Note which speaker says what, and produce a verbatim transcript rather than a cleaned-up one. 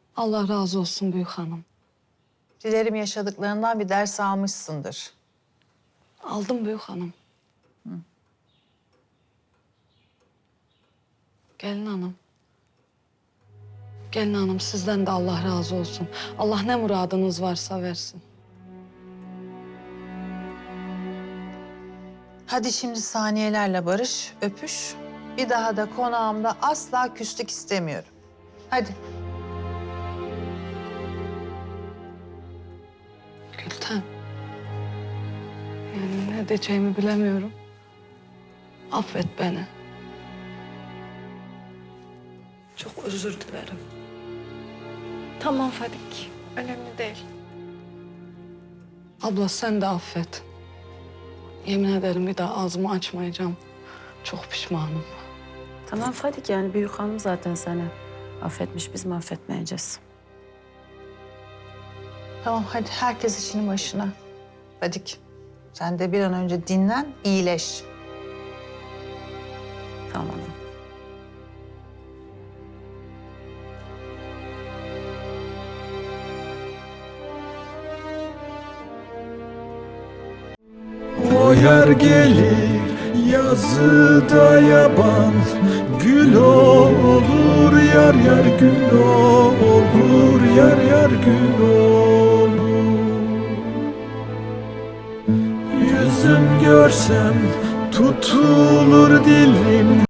Speaker 1: Allah razı olsun büyük hanım.
Speaker 2: Dilerim yaşadıklarından bir ders almışsındır.
Speaker 1: Aldım büyük hanım. Hı. Gelin hanım. Gelin hanım sizden de Allah razı olsun. Allah ne muradınız varsa versin.
Speaker 2: Hadi şimdi saniyelerle barış, öpüş. Bir daha da konağımda asla küslük istemiyorum. Hadi.
Speaker 1: Gülten. Yani ne diyeceğimi bilemiyorum. Affet beni. Çok özür dilerim.
Speaker 3: Tamam Fadik. Önemli değil.
Speaker 1: Abla sen de affet. Yemin ederim bir daha ağzımı açmayacağım. Çok pişmanım.
Speaker 4: Tamam Fadik, yani büyük hanım zaten seni affetmiş, biz mi affetmeyeceğiz?
Speaker 2: Tamam hadi herkes işinin başına. Fadik sen de bir an önce dinlen, iyileş.
Speaker 4: Tamam.
Speaker 5: O yer gelir yazıda yaban, gül olur yar yar gül olur yar yar gül olur. Yüzüm görsem tutulur dilim.